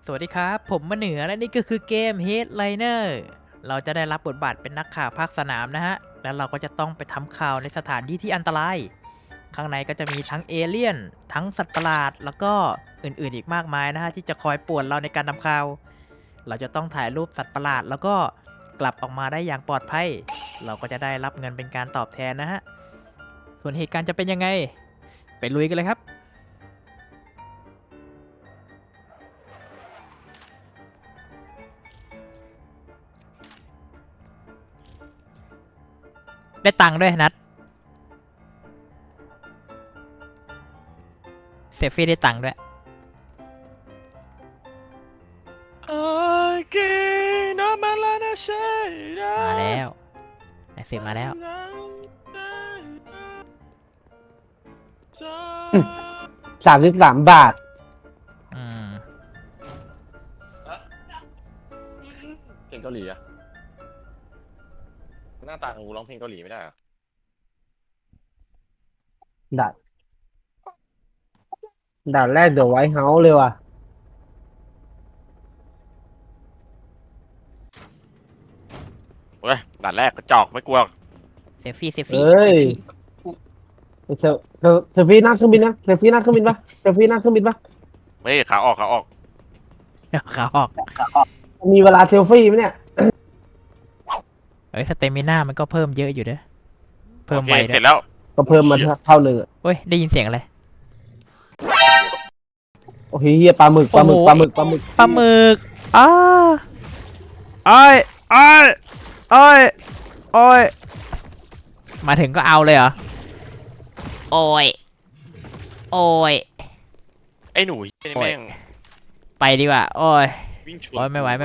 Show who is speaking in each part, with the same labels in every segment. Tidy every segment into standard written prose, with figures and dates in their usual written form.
Speaker 1: สวัสดีครับผมมะเหนือและนี่ก็คือเกม Headliner เราจะได้รับบทบาทเป็นนักข่าวภาคสนามนะฮะแล้วเราก็จะต้องไปทำข่าวในสถานที่ที่อันตรายข้างในก็จะมีทั้งเอเลี่ยนทั้งสัตว์ประหลาดแล้วก็อื่นๆอีกมากมายนะฮะที่จะคอยป่วนเราในการทำข่าวเราจะต้องถ่ายรูปสัตว์ประหลาดแล้วก็กลับออกมาได้อย่างปลอดภัยเราก็จะได้รับเงินเป็นการตอบแทนนะฮะส่วนเหตุการณ์จะเป็นยังไงไปลุยกันเลยครับได้ตังค์ด้วยนัดเซฟฟี่ได้ตังค์ด้วยมาแล้วไอเซฟมาแล้ว
Speaker 2: 33 บาท
Speaker 1: อืม
Speaker 3: เพลงเกาหลีอะหน้าตาของกูร้องเพลงเกาหลีไม่ได้อะ
Speaker 2: ด่านด่านแรกเดี๋ยวไวท์เฮาส์เลยว่ะ
Speaker 3: เว้ยด่านแรกกระจอกไม่กลัว
Speaker 1: เซฟฟี่
Speaker 2: เอ้ย เซลฟี่นั่งเครื่องบินนะเซลฟี่นั่งเครื่องบินปะเซลฟี่นั่งเครื่องบินปะ
Speaker 3: เฮ้ยขาออกขาออก
Speaker 1: ขาออก
Speaker 2: มีเวลาเซลฟี่ไหมเนี่ย
Speaker 1: เฮ้ยสเตมิน่ามันก็เพิ่มเยอะอยู่เด้อเพิ่
Speaker 3: โอ
Speaker 1: ม
Speaker 3: เค
Speaker 1: ไว
Speaker 3: เส
Speaker 1: ด้
Speaker 3: ร็
Speaker 1: วย
Speaker 3: จแล้ว
Speaker 2: ก็เพิ่มมาเท่าหนึ่งอะ
Speaker 1: เฮ้ยได้ยินเสียงอะไร
Speaker 2: โอ้ยเฮียปลาหมึกปลาหมึก
Speaker 1: โอ้โห
Speaker 2: ปลาหมึกปลาหมึก
Speaker 1: ปลาหมึกอ้าอ้อยอ้อยอ้อยอ้อยมาถึงก็เอาเลยเหรอโอ้ยโอ้ย
Speaker 3: ไอ้หนูเหี้ยนี่แม่ง
Speaker 1: ไปดีกว่าโอ้ย
Speaker 3: วิ่งชน
Speaker 1: โอ้ยไม่ไหว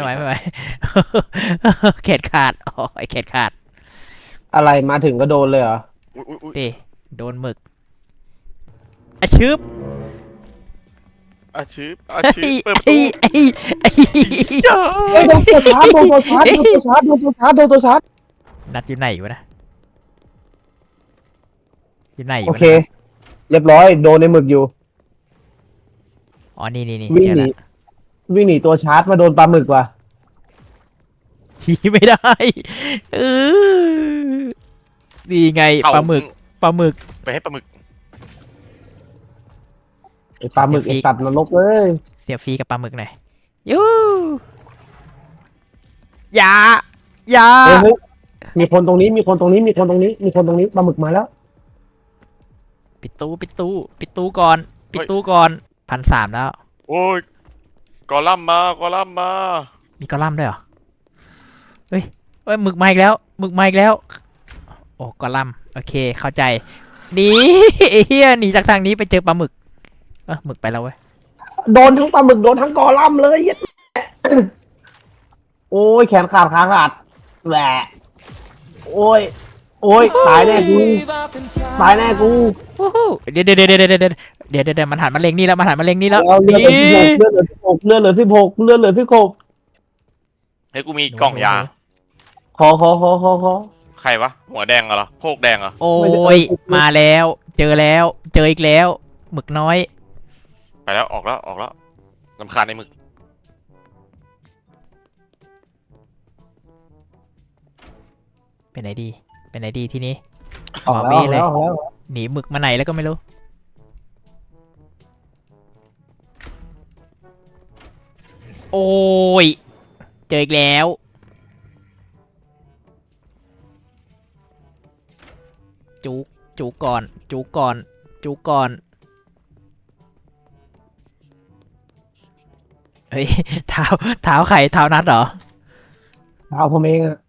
Speaker 1: เข็ดขาดโอ้ยเข็ดขาด
Speaker 2: อะไรมาถึงก็โดนเลยเหรอ
Speaker 3: อุ้ย
Speaker 1: สิโดนหมึกอะชึบ
Speaker 3: อาชีพเปิด
Speaker 1: ไอ้
Speaker 3: ประ
Speaker 1: ไอ้
Speaker 3: ตู
Speaker 1: ไอ้ไอ้
Speaker 2: เฮ้ยโดนตัวชาร์จโดนตัวชาร์จโดนตัวชาร์จโดนตัวชาร์จโดนตัวชาร์จ
Speaker 1: นัดอยู่ไหนวะนะอยู่ไหน
Speaker 2: โอ
Speaker 1: วะ
Speaker 2: เค เรียบร้อยโดนในหมึกอยู่
Speaker 1: อ๋อนี่
Speaker 2: วิ่ง
Speaker 1: เจอ
Speaker 2: หนี
Speaker 1: แล้ว
Speaker 2: วิ่งหนีตัวชาร์จมาโดนปลาหมึกว่ะ
Speaker 1: ชี้ไม่ได้เออดีไงปลาหมึก
Speaker 3: ไปให้ปลาหมึก
Speaker 2: ไอปลาหมึกไอตัดนรกเลย
Speaker 1: เสียฟรีกับปลาหมึกหน่อยยูอย่าอย่า
Speaker 2: เฮ้ยมีคนตรงนี้มีคนตรงนี้มีคนตรงนี้มีคนตรงนี้ปลาหมึกมาแล้ว
Speaker 1: ปิดตู้ก่อน1,300แล้ว
Speaker 3: โอ้ยกอลัมน์มากอลัมน์มา
Speaker 1: มีกอลัมน์ด้วยเหรอเฮ้ยหมึกมาอีกแล้วโอ้กอลัมน์โอเคเข้าใจหนีไอ้เฮียหนีจากทางนี้ไปเจอปลาหมึกหมึกไปแล้วเว้ย
Speaker 2: โดนทั้งปลาหมึกโดนทั้งกอลัมน์เลย โอ้ยแขนขาดขาขาดแหละโอ้ยโอ้ยตายแน่กูตายแน่กู
Speaker 1: วู้ฮู้เดี๋ยวมันหันมาเล็งนี่แล้ว
Speaker 2: เอาเลือดเหลือ16เลือดเหลือ16เลือดเหลือ16
Speaker 3: เฮ้ยกูมีกล่องยา
Speaker 2: ขอ
Speaker 3: ใครวะหัวแดงเหรอโพกแดงเหรอ
Speaker 1: โอ้ยมาแล้วเจออีกแล้วหมึกน้อย
Speaker 3: ไปแล้วออกแล้วรำคาญในหมึก
Speaker 1: ไปไหนดีทีนี้
Speaker 2: ออก
Speaker 1: เว้เลย
Speaker 2: แล้ว
Speaker 1: หนีหมึกมาไหนแล้วก็ไม่รู้โอ้ยเจออีกแล้วจูก่อนเฮ้ยเท้าใครเท้านัดเหรอ
Speaker 2: เอาผมเองอะ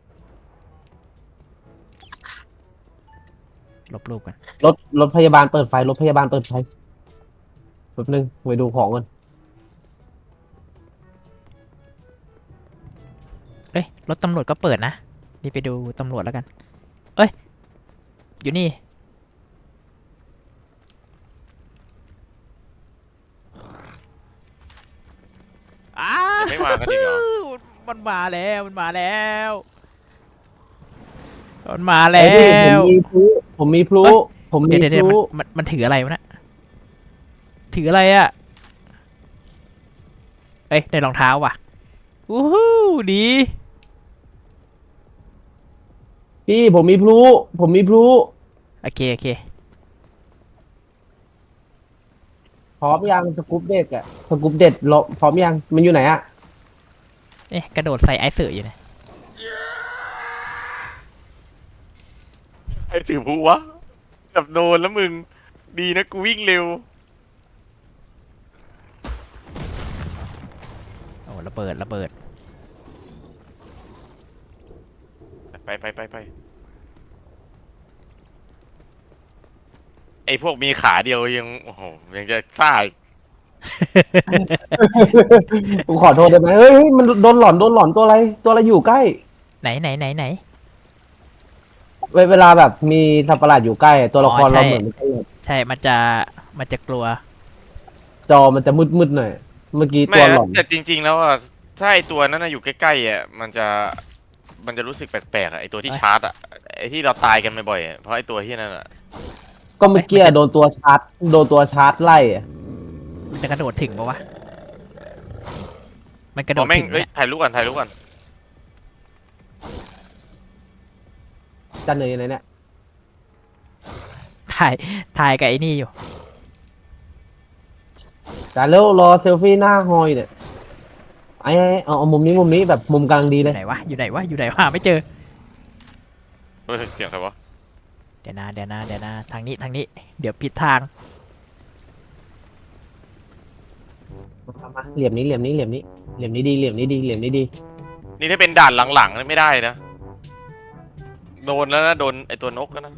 Speaker 1: ลบรูปกัน
Speaker 2: รถพยาบาลเปิดไฟรถพยาบาลเปิดไฟแป๊บนึงไปดูของกัน
Speaker 1: เอ้ยรถตำรวจก็เปิดนะนี่ไปดูตำรวจแล้วกันเอ้ยอยู่นี่
Speaker 3: ยังไม่มากันอีกเหรอ
Speaker 1: มันมาแล้ว
Speaker 2: ไอ้พี่ผมมีพลุ
Speaker 1: เดี๋ยวมันถืออะไรวะนะถืออะไรอะเอ้ยได้รองเท้าว่ะวู้ฮู้ดี
Speaker 2: พี่ผมมีพลุ
Speaker 1: โอเคโอเค
Speaker 2: พร้อมยังสกู๊ปเด็กอะสกู๊ปเด็ดรอพร้อมยังมันอยู่ไหนอะ
Speaker 1: เอ๊ะกระโดดใส่ไอซ์เสืออยู่นะ
Speaker 3: ไอ้ถือผู้วะแบบโดนแล้วมึงดีนะกูวิ่งเร็ว
Speaker 1: โอ้ระเบิดระเบิด
Speaker 3: ไปไอ้พวกมีขาเดียวยังโอ้โหยังจะซ่าอีก
Speaker 2: ผมขอโทษได้ไหมเฮ้ยมันโดนหลอนตัวอะไรอยู่ใกล้
Speaker 1: ไหน
Speaker 2: เวลาแบบมีสัตว์ประหลาดอยู่ใกล้ตัวละคร
Speaker 1: อ๋อใช่
Speaker 2: เราเหมือนมันจะ
Speaker 1: ใช่มันจะกลัว
Speaker 2: จอมันจะมืดหน่อยเมื่อกี้
Speaker 3: ไม่
Speaker 2: ตัวหล
Speaker 3: นะ
Speaker 2: อน
Speaker 3: แต่จริงๆแล้วอ่ะถ้าไอ้ตัวนั้นนะอยู่ใกล้ๆอ่ะมันจะรู้สึกแปลกๆอ่ะไอ้ตัวที่ชาร์จอ่ะไอ้ที่เราตายกันบ่อยๆอะเพราะไอ้ตัวที่นั่นอ่ะ
Speaker 2: ก็เมื่อกี้โดนตัวชาร์จไล่อะ
Speaker 1: มันจะกระโดดถึงปะวะ มันกระโด
Speaker 3: พอ
Speaker 1: ด
Speaker 3: แม่ง
Speaker 1: ถึง
Speaker 3: เอ้ย
Speaker 1: เนี่ย
Speaker 3: ถ่ายรูปก่อน
Speaker 2: จันเหนื่อยไหนเนี่ย
Speaker 1: ถ่ายกับไอ้นี่อยู่
Speaker 2: จันเร็วรอเซลฟี่หน้าฮอยเนี่ยเอามุมนี้แบบมุมกำลังดี
Speaker 1: อ
Speaker 2: เลย
Speaker 1: ยู่ไหนวะอยู่ไหนหาไม่เจอ
Speaker 3: เฮ้ยเสียงใครวะ
Speaker 1: เดี๋ยวนะทางนี้เดี๋ยวผิดทาง
Speaker 2: มาเหลี่ยมนี้ดี
Speaker 3: นี่ถ้าเป็นด่านหลังๆนี่ไม่ได้นะโดนแล้วนะโดนไอ้ตัวนกแล้วนะ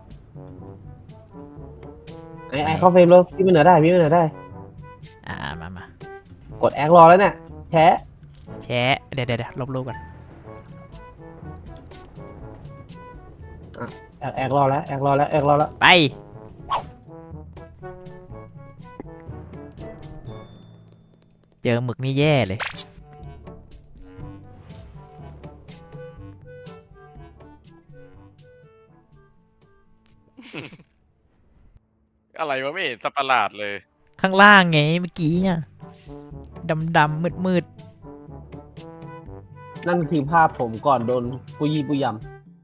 Speaker 2: ไอ้เข้าเฟรมแล้วพี่มันเหนือได้
Speaker 1: มาก
Speaker 2: ดแอครอแล้วเนี่ยแชะ
Speaker 1: แชะเดี๋ยวลบรูปก่อน
Speaker 2: แอครอแล้ว
Speaker 1: ไป เจอหมึกนี่แย่เลย
Speaker 3: อะไรวะไม่เห็นสัตว์ประหลาดเลย
Speaker 1: ข้างล่างไงเมื่อกี้เนี่ยดำมืด
Speaker 2: นั่นคือภาพผมก่อนโดนปุยยำ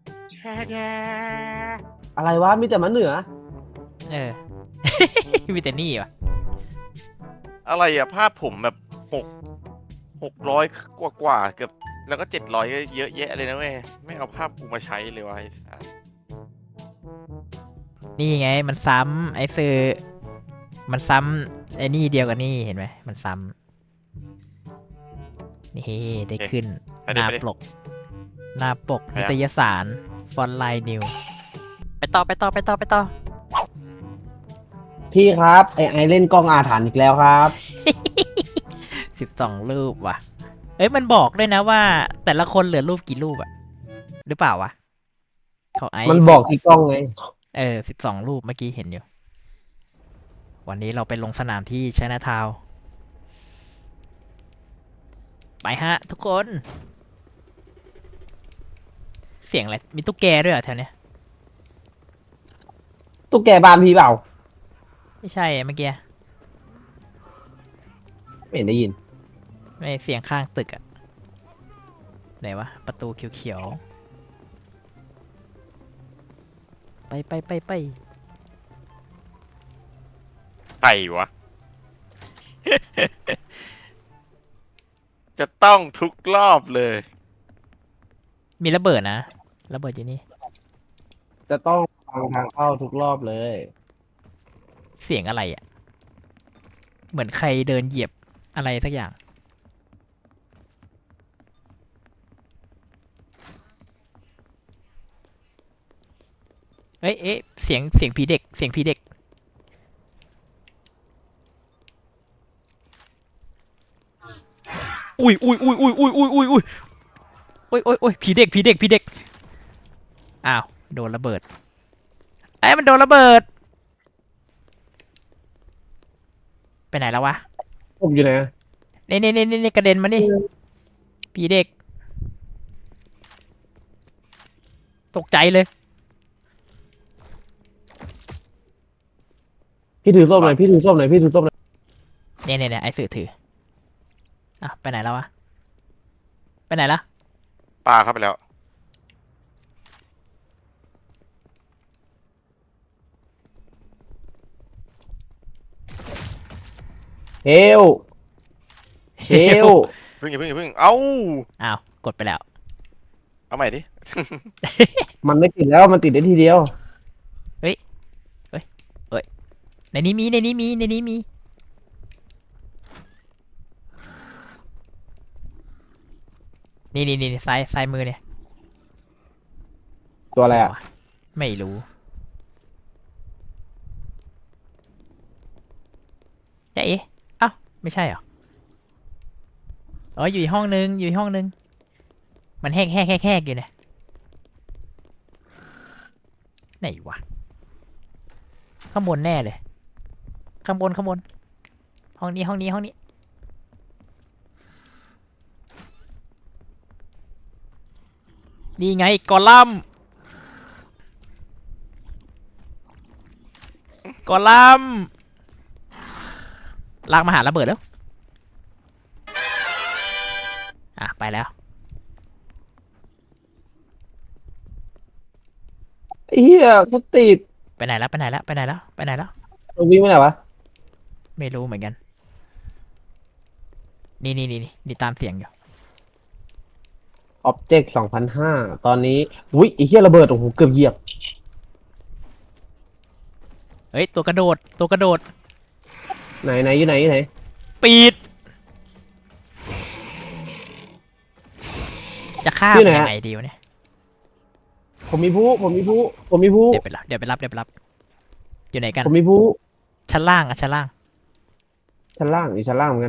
Speaker 2: อะไรวะมีแต่มันเหนือ
Speaker 1: เออ มีแต่นี่วะ
Speaker 3: อะไรอะภาพผมแบบ600กว่าเกือบแล้วก็700เยอะแยะเลยนะเว้ยไม่เอาภาพกูมาใช้เลยวะไอ้สัส
Speaker 1: นี่ไงมันซ้ำไอ้ซื้อมันซ้ำไอ้นี่เดียวกันนี่เห็นไหมมันซ้ำนี่ได้ขึ้น
Speaker 3: ไป
Speaker 1: ห
Speaker 3: ดิ
Speaker 1: น้า
Speaker 3: ไปดิ
Speaker 1: ปก
Speaker 3: ไป
Speaker 1: นิตยสารฟอนไลน์นิวไปต่อ
Speaker 2: พี่ครับไอเล่นกล้องอาถรรพ์อีกแล้วครับ
Speaker 1: 12 รูปว่ะ เอ้ยมันบอกด้วยนะว่า แต่ละคนเหลือรูปกี่รูปอะหรือเปล่าวะเขาไอ้
Speaker 2: มันบอกที่กล้องไง
Speaker 1: 12 รูปเมื่อกี้เห็นอยู่ วันนี้เราไปลงสนามที่ชัยนาทาวน์ไปฮะ ทุกคน เสียงอะไร มีตุ๊กแกด้วยเหรอแถวเนี้ย
Speaker 2: ตุ๊กแกบ้านพี่เปล่า
Speaker 1: ไม่ใช่อะเมื่อกี้
Speaker 2: ไม่เห็นได้ยิน
Speaker 1: ไม่เสียงข้างตึกอะไหนวะ ประตูเขียวๆ ไป
Speaker 3: ใครวะ จะต้องทุกรอบเลย
Speaker 1: มีระเบิดนะ ระเบิดอยู่นี่
Speaker 2: จะต้องฟังทางเข้าทุกรอบเลย
Speaker 1: เสียงอะไรอะเหมือนใครเดินเหยียบอะไรสักอย่าง เอ๊ะเสียงผีเด็ก อุ้ยผีเด็ก อ้าว โดนระเบิดไอ้ยมันโดนระเบิด ไปไหนแล้ววะ
Speaker 2: ผมอยู่ไหนอะ
Speaker 1: นี่กระเด็นมานี่ผีเด็ก ตกใจเลย
Speaker 2: พี่ถือส้มหน่อย
Speaker 1: เนี่ยไอ้สื่อถืออ่ะไปไหนแล้ววะไปไหนละ
Speaker 3: ปลาเข้าไปแล้ว
Speaker 2: เฮลเฮล
Speaker 3: เพิ่งอย่าเพิ่งอย่าเพิ่งเอ้า
Speaker 1: อ้าวกดไปแล้ว
Speaker 3: เอาใหม่ดิ
Speaker 2: มันไม่ติดแล้วมันติดได้ทีเดียว
Speaker 1: เฮ้ยเฮ้ยเฮ้ยในนี้มีในนี้มีในนี้มีนี่ซ้ายมือเนี่ย
Speaker 2: ตัวอะไรอ่ะ
Speaker 1: ไม่รู้จ๊ะเอ๊ะเอ้าไม่ใช่เหรออ๋ออยู่อีกห้องนึงอยู่อีกห้องนึงมันแหกอยู่เนี่ยไหนวะข้างบนแน่เลยข้างบนห้องนี้นี่ไงกอลัมน์ลากมาหาระเบิดแล้วอ่ะไปแล้ว
Speaker 2: เฮียเขาติด
Speaker 1: ไปไหนแล้ว
Speaker 2: เราวิ่งไปไหนวะ
Speaker 1: ไม่รู้เหมือนกันนี่ตามเสียงอยู่
Speaker 2: อ็อบเจกต์2005ตอนนี้อุ้ยไอ้เฮียระเบิดโอ้โหเกือบเหยียบ
Speaker 1: เฮ้ยตัวกระโดด
Speaker 2: ไหนอยู่ไหนอยู่ไหน
Speaker 1: ปีดจะฆ่า
Speaker 2: ที่
Speaker 1: มัน
Speaker 2: ไหน
Speaker 1: ยั
Speaker 2: อะ
Speaker 1: งไงดีวะเนี่ย
Speaker 2: ผมมีผู้
Speaker 1: เดี๋ยวไปรับอยู่ไหนกัน
Speaker 2: ผมมีผู้
Speaker 1: ชั้นล่าง
Speaker 2: ชั้นล่างอยู่ชั้นล่างเหมือนกัน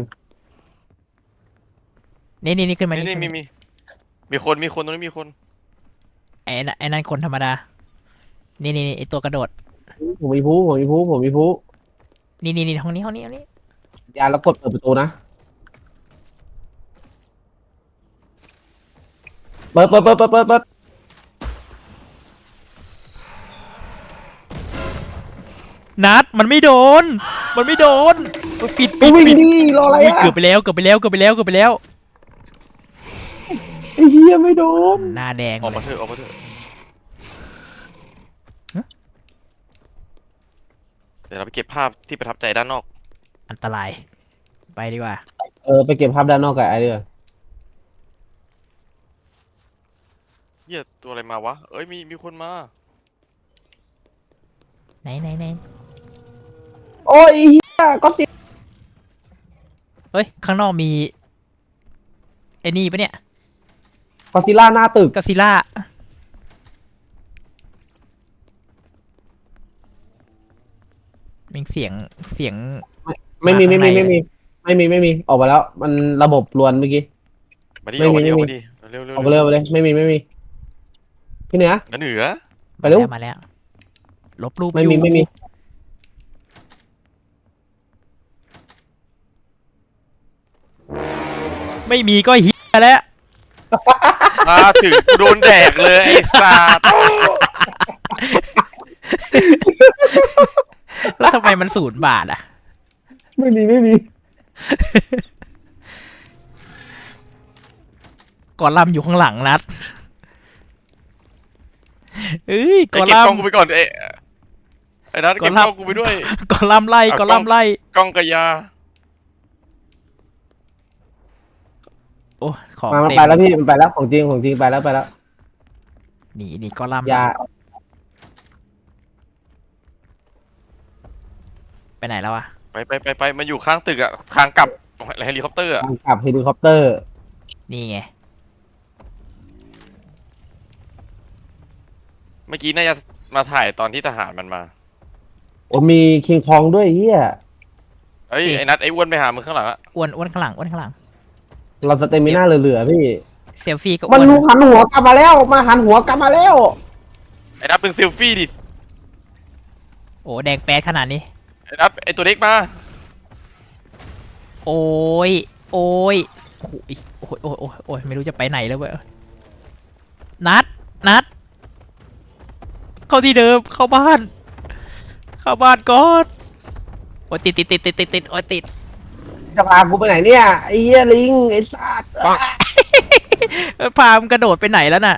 Speaker 1: นี่ขึ้นมา
Speaker 3: นี่
Speaker 1: นี่
Speaker 3: นี่มีคนตรงนี้มีคน
Speaker 1: ไอ้นั่นคนธรรมดานี่ไอ้ตัวกระโดด
Speaker 2: ผมมีผู้
Speaker 1: นี่ห้องนี้
Speaker 2: ยาแล้วกดเปิดประตูนะเปิด
Speaker 1: นัดมันไม่โดนปิด
Speaker 2: กูวิ่งดีรออะไร
Speaker 1: อุ๊ย
Speaker 2: อ่ะ
Speaker 1: เกือบไปแล้ว
Speaker 2: ไอ้เฮียไม่โดน
Speaker 1: หน้าแดง
Speaker 3: ออก
Speaker 1: เล
Speaker 3: มาย เถอะออกมาเถอะเดี๋ยวเราไปเก็บภาพที่ประทับใจด้านนอก
Speaker 1: อันตรายไปดีกว่า
Speaker 2: ไปเก็บภาพด้านนอกกับไอ้เด้อ
Speaker 3: เหี้ยตัวอะไรมาวะเอ้ยมีคนมา
Speaker 1: ไหน
Speaker 2: โอ้ยเฮียก็ติด
Speaker 1: เฮ้ยข้างนอกมีไอ้นี่ปะเนี่ย
Speaker 2: กอซิล่าหน้าตึก
Speaker 1: กอซิล่ามีเสียง
Speaker 2: ไม่มี
Speaker 1: ข้างในเลย
Speaker 2: ออกมาแล้ว มันระบบรวนเมื่อกี้
Speaker 3: มาดิ
Speaker 2: ไม่
Speaker 3: ออก
Speaker 2: มี
Speaker 3: มาดิออก
Speaker 2: ไม่
Speaker 3: มา
Speaker 2: มี
Speaker 3: ดิเร็ว
Speaker 2: ออกไปเลยไม่มีพี่เหนือ
Speaker 3: เหนือ
Speaker 2: ไปเร็ว
Speaker 1: มาแล้วลบรูป
Speaker 2: ไม่มี
Speaker 1: อยู่
Speaker 2: ไม่มี
Speaker 1: ไม่มีก็เฮียแล้ว
Speaker 3: มาถึงกูโดนแดกเลยไอ้สัตว์
Speaker 1: แล้วทำไมมัน0 บาทอ่ะ
Speaker 2: ไม่มี
Speaker 1: กอลัมน์อยู่ข้างหลังนัดเอ้ยก
Speaker 3: ไอ้
Speaker 1: อ
Speaker 3: เก็บ
Speaker 1: ลั
Speaker 3: กล้
Speaker 1: ม
Speaker 3: อง
Speaker 1: น์
Speaker 3: กูไปก่อนไอ้นัทเก็บกล้องกูไปด้วย
Speaker 1: กอลัมน์ไล่
Speaker 3: เอา
Speaker 1: กอลัมน์ไล่
Speaker 3: กล้องกระยา
Speaker 1: โอ้ของ
Speaker 2: มัน
Speaker 1: เต็ม
Speaker 2: ไปแล้วพี่มันไปแล้วของจริงไปแล้ว
Speaker 1: นี่กอลัมน์
Speaker 2: ยา
Speaker 1: ไปไหนแล้วอะ
Speaker 3: ไปมันอยู่ข้างตึกอะทางกลับเฮลิคอปเตอร์อะ
Speaker 2: ทางกลับเฮลิคอปเตอร์
Speaker 1: นี่ไง
Speaker 3: เมื่อกี้น่าจะมาถ่ายตอนที่ทหารมันมา
Speaker 2: โอ้มีคิงคองด้วยเฮีย
Speaker 3: เอ้ยไอ้นัทไอ้อ้วนไปหามึงข้างหลังอะ
Speaker 1: อ้วนข้างหลัง
Speaker 2: เราสเตมิน่าเหลือๆพี่
Speaker 1: เซลฟี่ก็
Speaker 2: มัน
Speaker 1: อ้วน
Speaker 2: หันหัวกลับมาแล้ว
Speaker 3: ไอ้นัทเป็นเซลฟี่ดิ
Speaker 1: โอ้แดงแป๊ดขนาดนี้
Speaker 3: ไอ้นัทไอ้ตัวเล็กมา
Speaker 1: โอ้ยโอ้ยไม่รู้จะไปไหนแล้วเว้ยนัดเข้าที่เดิมเข้าบ้านก่อนโอ้ยติดโอ้ยติด
Speaker 2: จะพากูไปไหนเนี่ยไอ้เหี้ยลิงไอ้สัตว์
Speaker 1: พามนกระโดดไปไหนแล้วน่ะ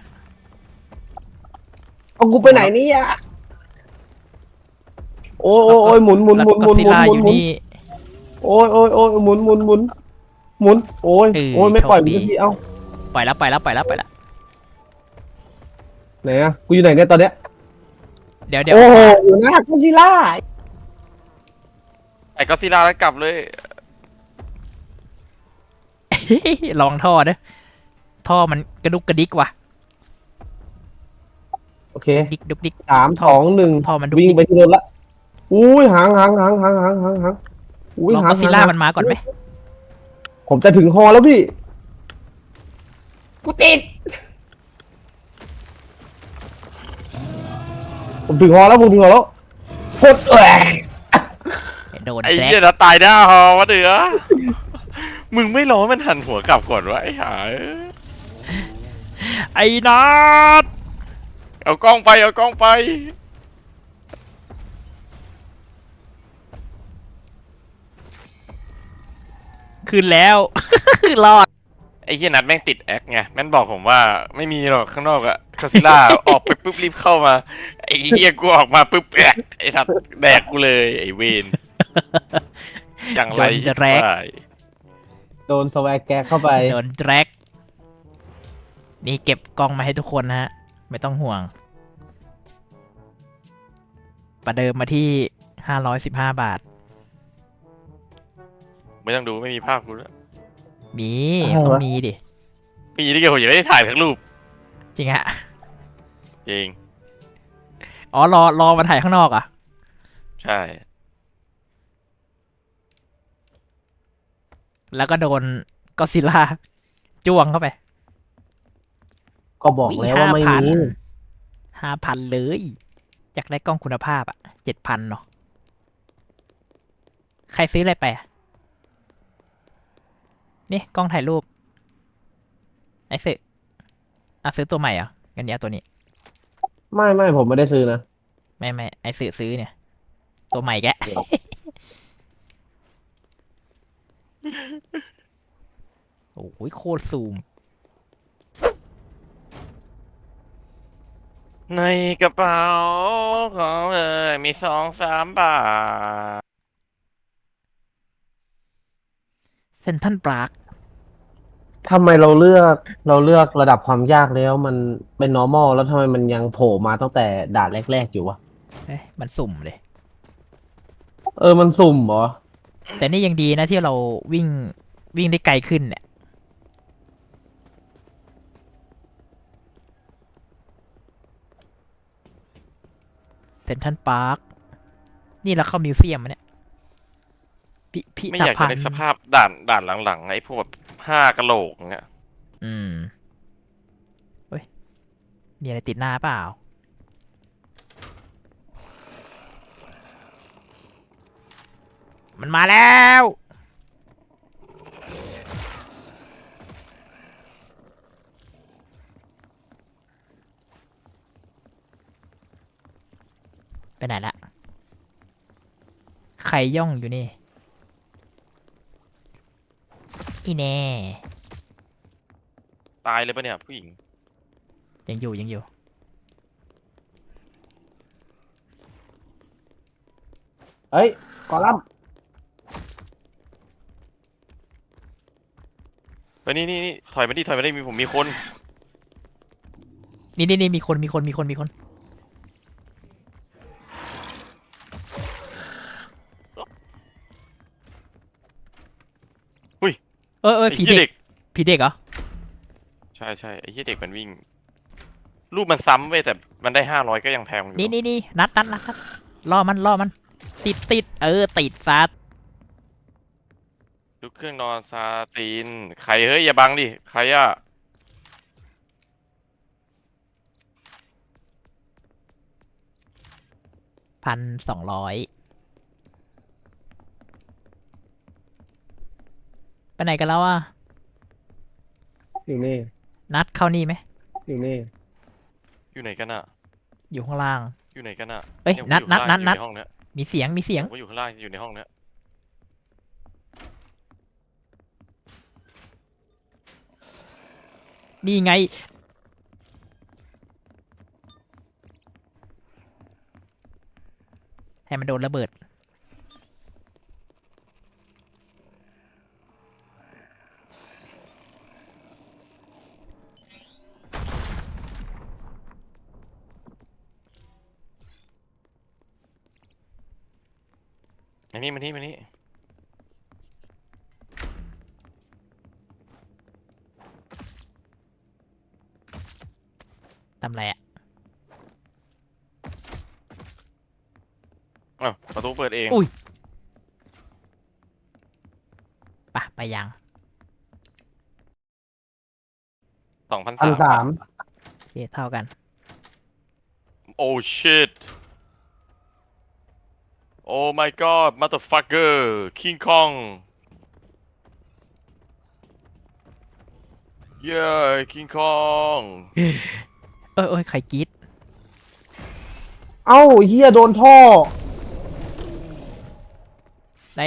Speaker 2: เอากูไปไหนเนี่ยโอ้ยโอ้ยโอ้ยหมุนหมุน
Speaker 1: แล้ว
Speaker 2: หมุนห
Speaker 1: ก็
Speaker 2: มุน
Speaker 1: ซิ
Speaker 2: หมุน
Speaker 1: ล่า
Speaker 2: หมุ
Speaker 1: อน ยู่
Speaker 2: หมุน
Speaker 1: นี่
Speaker 2: โอ้ยโอ้ยโอ้ยหมุนหมุนหมุนหมุนโอ้ย
Speaker 1: เออ
Speaker 2: โอ้ยไม่ปล่อย
Speaker 1: โชค
Speaker 2: มึ
Speaker 1: ดี
Speaker 2: งสักทีเอ้า
Speaker 1: ปล่อยแล้วปล่อยแล้วปล่อยแล้วปล่อยแล้ว
Speaker 2: ไหนอะกูอยู่ไหนเนี่ยตอนเนี้ย
Speaker 1: เดี๋ยวเดี๋ยว
Speaker 2: โอ้โหอยู่หน้ากูซิล่า
Speaker 3: ไอ้ก็ซิล่าแล้วกลับเลย
Speaker 1: ลองท่อเด้อท่อมันกระดุกกระดิกว่ะ
Speaker 2: โอเค
Speaker 1: ดิกดุกดิก
Speaker 2: 3 2 1
Speaker 1: ท่อมันดุก
Speaker 2: วิ่ง
Speaker 1: ดิก
Speaker 2: ไปที่รถละอุ้ยหางอุ้ย
Speaker 1: ลอง
Speaker 2: หาง
Speaker 1: ก็ซิล่ามันมาก่อนไหม
Speaker 2: ผมจะถึงฮอแล้วพี่กูติดผมถึงฮอแล้วผมถึงฮอแล้วกด
Speaker 1: โดน
Speaker 3: ไอ้
Speaker 1: แจ็ค
Speaker 3: เหี้ยนะตายหน้าฮอวะเดือมึงไม่รอให้มันหันหัวกลับก่อนวะไอ้ห่า
Speaker 1: ไอ้นัด
Speaker 3: เอากล้องไปเอากล้องไป
Speaker 1: ขึ้นแล้ว รอด
Speaker 3: ไอ้เหี้ยนัดแม่งติดแอคไงแม่งบอกผมว่าไม่มีหรอกข้างนอกอะก็ซิล่า ออกไปปุ๊บรีบเข้ามาไอ้เหี้ยกูออกมาปุ๊บแอะไอ้ทัดแดกกูเลยไอ้เวนจังไร
Speaker 1: โดนแจ็ค
Speaker 3: ไป
Speaker 2: โดนสแวกแกเข้าไป
Speaker 1: โดนแจ็คนี่เก็บกล้องมาให้ทุกคนนะฮะ ไม่ต้องห่วง ประเดิมมาที่515 บาท
Speaker 3: ไม่ต้องดูไม่มีภาพกูแล้ว
Speaker 1: มี
Speaker 2: อะไรวะ
Speaker 1: ต้องมีดิ
Speaker 3: ปีนี้เกี่ยวผมยังไม่ได้ถ่ายทั้งรูป
Speaker 1: จริงฮะ
Speaker 3: จริง
Speaker 1: อ๋อ รอมาถ่ายข้างนอกอ่ะ
Speaker 3: ใช่
Speaker 1: แล้วก็โดนก็ซิล่าจ้วงเข้าไป
Speaker 2: ก็บอกแล้วว่าไม่มี
Speaker 1: 5,000เลย อยากได้กล้องคุณภาพอ่ะ7,000เนาะใครซื้ออะไรไปอะนี่กล้องถ่ายรูป ไอ้ซื้อซื้อตัวใหม่เหรองั้นเนี้ยตัวนี้
Speaker 2: ไม่ผมไม่ได้ซื้อนะ
Speaker 1: ไม่ไอ้ซื้อเนี่ย ตัวใหม่แกะ โอ้ยโคตรซูม
Speaker 3: ในกระเป๋าของมี2-3 บาท
Speaker 1: เซนทันปราก
Speaker 2: ทำไมเราเลือกระดับความยากแล้วมันเป็น normal แล้วทำไมมันยังโผล่มาตั้งแต่ด่านแรกๆอยู่วะ
Speaker 1: เอ้ยมันสุ่มเลย
Speaker 2: มันสุ่มเหรอ
Speaker 1: แต่นี่ยังดีนะที่เราวิ่งได้ไกลขึ้นเนี่ย เซนทันปาร์ค นี่เราเข้ามิวเซียมมะเนี่ย พิ
Speaker 3: ไม่
Speaker 1: ธ
Speaker 3: อยาก
Speaker 1: ภั
Speaker 3: จะ
Speaker 1: ณ
Speaker 3: ได้
Speaker 1: ฑ์
Speaker 3: สภาพด่านหลังๆไอ้พวกแบบ5 กะโหลกเงี้ย
Speaker 1: อืมเฮ้ย มีอะไรติดหน้าเปล่า มันมาแล้ว ไปไหนละ ใครย่องอยู่นี่ อีแน่
Speaker 3: ตายเลยปะเนี่ยผู้หญิง
Speaker 1: ยังอยู่
Speaker 2: เฮ้ยกอลัมน์
Speaker 3: เฮ้ยนี่ถอยมาดิผมมีคน
Speaker 1: นี่มีคน
Speaker 3: อุ้ย
Speaker 1: เออ
Speaker 3: ไอ้
Speaker 1: ผี
Speaker 3: เหี้ย
Speaker 1: เด็
Speaker 3: เด็
Speaker 1: ก
Speaker 3: ก
Speaker 1: ผีเด็กเหรอ
Speaker 3: ใช่ไอ้เหี้ยเด็กมันวิ่ง รูปมันซ้ำเว้ยแต่มันได้500ก็ยังแพงอยู่
Speaker 1: นี่นัดล่อมัน ติดติดซัด
Speaker 3: ลูกเครื่องนอนซาตินใครเฮ้ยอย่าบังดิใครอะ
Speaker 1: 1,200 ไปไหนกันแล้วอ่ะ
Speaker 2: อยู่นี่
Speaker 1: นัดเข้านี่ไหม
Speaker 2: อยู่นี่
Speaker 3: อยู่ไหนกันอะ
Speaker 1: อยู่ข้างล่าง
Speaker 3: อยู่ไหนกันอะ
Speaker 1: เอ้ย
Speaker 3: ผม
Speaker 1: นัด
Speaker 3: อยู่ข้างล่าง
Speaker 1: นัด
Speaker 3: อยู่ในห้องเนี้ย
Speaker 1: มีเสียง
Speaker 3: ผมก็อยู่ข้างล่างอยู่ในห้องเนี้ย
Speaker 1: นี่ไงให้มันโดนระเบิด
Speaker 3: มานี่
Speaker 1: ทำไรอ่ะ
Speaker 3: อ้าวประตูเปิดเอง
Speaker 1: อุ้ย ไปยัง
Speaker 3: 2,300
Speaker 1: โอเคเท่ากัน
Speaker 3: โอ้ shit oh my god motherfucker King Kong yeah King Kong
Speaker 1: โอ้ยใครกรีด
Speaker 2: เอ้าเฮียโดนท่อ
Speaker 1: ไหน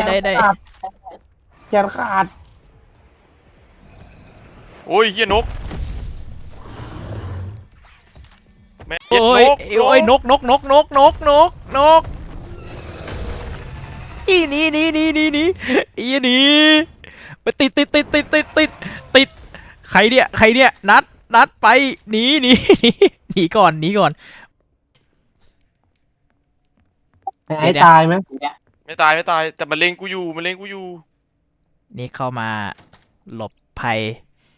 Speaker 2: แขนขาด
Speaker 3: โอ้ยเฮียนกแม่เหี้ย
Speaker 1: โอ้ย โอ้ยนกอีหนี่อีหนี่ไปติดใครเนี่ยนัดไปหนีก่อน
Speaker 2: ไอ้ตายไหม
Speaker 3: ไม่ตายแต่มันเล็งกูอยู่
Speaker 1: นี่เข้ามาหลบภัย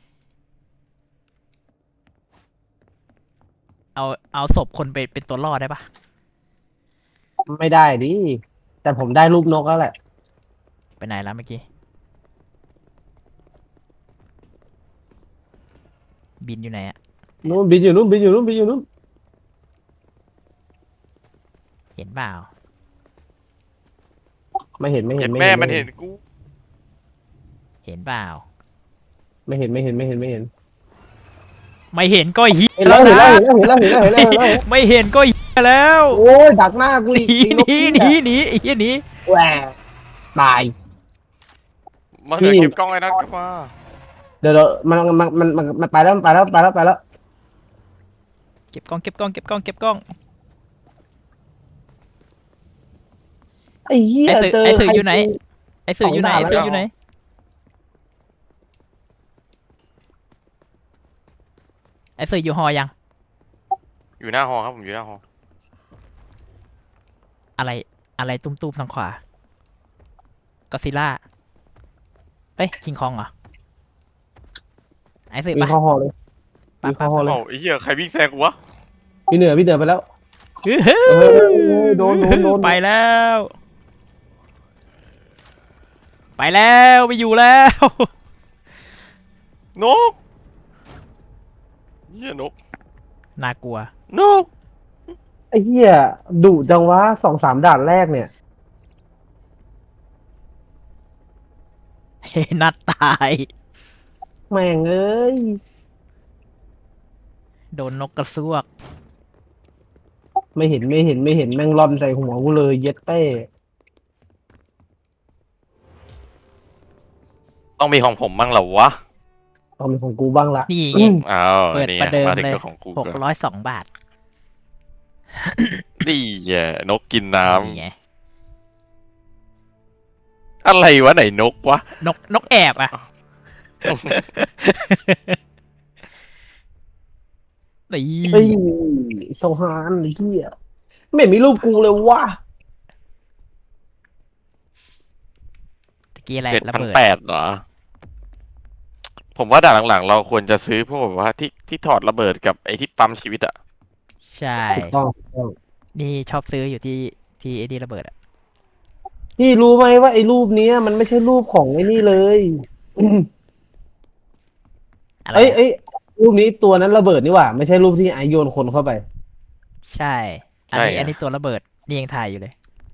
Speaker 1: เอาศพคนไปเป็นตัวรอดได้ปะ
Speaker 2: ไม่ได้ดิแต่ผมได้รูปนกแล้วแหละ
Speaker 1: ไปไหนแล้วเมื่อกี้ บินอยู่ไหนอะ
Speaker 2: นู้นบินอยู่นู้น
Speaker 1: เห็นเปล่า
Speaker 2: ไม่เห็น
Speaker 3: เห็นแม่มันเห็นกู
Speaker 1: เห็นเปล่า
Speaker 2: ไม่เห็น
Speaker 1: ไม่เห็นก็เฮีย
Speaker 2: เห็นแล้ว
Speaker 1: ไม่เห็นก็เฮียแล้ว
Speaker 2: โอ้ยดักหน้ากู
Speaker 1: ห
Speaker 2: อีก
Speaker 1: นีไอ้เฮียหนี
Speaker 2: แหวตาย
Speaker 3: มาเหนือเก็บกล้องไอ้นัทกลับมา
Speaker 2: เดี๋ยวมันไปแล้ว
Speaker 1: เก็บกล้อง
Speaker 2: ไอ้เหี้ย
Speaker 1: ไอ้สื่ออยู่ไหน ไอ้สื่ออยู่ไหน ไอ้สื่ออยู่หอยัง
Speaker 3: อยู่หน้าหอครับผมอยู่หน้าหอ
Speaker 1: อะไรตุ้มทางขวาก็ซิล่าคิงคองเหรอ ไอ้สื่อ
Speaker 2: มี
Speaker 1: ปะ
Speaker 2: ข้อหอเลย
Speaker 1: ปะ
Speaker 2: มีข้อหอเลย
Speaker 3: เอ้าไอ้เหี้ยใครวิ่งแซงกูวะ
Speaker 2: พี่เหนือไปแล้ว โดน
Speaker 1: ไปแล้วไปอยู่แล้ว
Speaker 3: นกเหี้ยนก
Speaker 1: น่ากลัว
Speaker 3: นก
Speaker 2: ไอ้เหี้ยดุจังวะ2-3 ด่านแรกเนี่ย
Speaker 1: เฮ้นัดตาย
Speaker 2: แม่งเอ้ย
Speaker 1: โดนนกกระซวก
Speaker 2: ไม่เห็นแม่งร่อนใส่หัวกูเลยเย็ดเป้
Speaker 3: ต้องมีของผมบ้างเหรอวะ
Speaker 2: ต้องเป็นของกูบ้างละ
Speaker 1: นี่ไง
Speaker 3: อ้าว
Speaker 1: เปิด
Speaker 3: นี่
Speaker 1: ประเดิม
Speaker 3: มาถึง
Speaker 1: เลย
Speaker 3: กับของกูก่อน
Speaker 1: 602 บาท
Speaker 3: นี่แย่นกกินน้
Speaker 1: นี่ไง
Speaker 3: ำอะไรวะไหนนกวะ
Speaker 1: นกแอบอ่ะ นี่
Speaker 2: เฮ้ยโซฮานไอ้เหี้ยไม่เห็นมีรูปกูเลยวะ
Speaker 1: ตะกี้อะไรระเบิด
Speaker 3: 7,800เหรอ ผมว่าด่านหลังๆ เราควรจะซื้อพวกแบบว่าที่ถอดระเบิดกับไอ้ที่ปั๊มชีวิตอะ
Speaker 1: ใช่
Speaker 2: ถูกต้อง
Speaker 1: นี่ชอบซื้ออยู่ที่ไอ้นี่ระเบิดอ่ะ
Speaker 2: พี่รู้ไหมว่าไอ้รูปเนี้ยมันไม่ใช่รูปของไอ้นี่เลย
Speaker 1: อะไร
Speaker 2: เอ้ยรูปนี้ตัวนั้นระเบิดนี่หว่า ไม่ใช่รูปที่ไอโยนคนเข้าไป
Speaker 1: ใช่ อันนี้ตัวระเบิด นี่ยังถ่ายอยู่เลย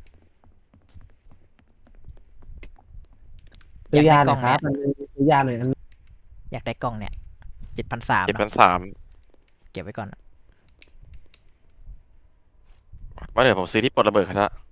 Speaker 2: ซื้อยาห
Speaker 1: ก
Speaker 2: น่
Speaker 1: ล้
Speaker 2: อ
Speaker 1: อย ง
Speaker 2: ค
Speaker 1: เนี่
Speaker 2: รั
Speaker 1: ย
Speaker 2: บซื้อยาหน่อยอัน
Speaker 1: อยากได้กล้องเนี่ย7,300
Speaker 3: 7,300
Speaker 1: เก็บไว้ก่อน
Speaker 3: ว่าเดี๋ยวผมซื้อที่ปลดระเบิดครับ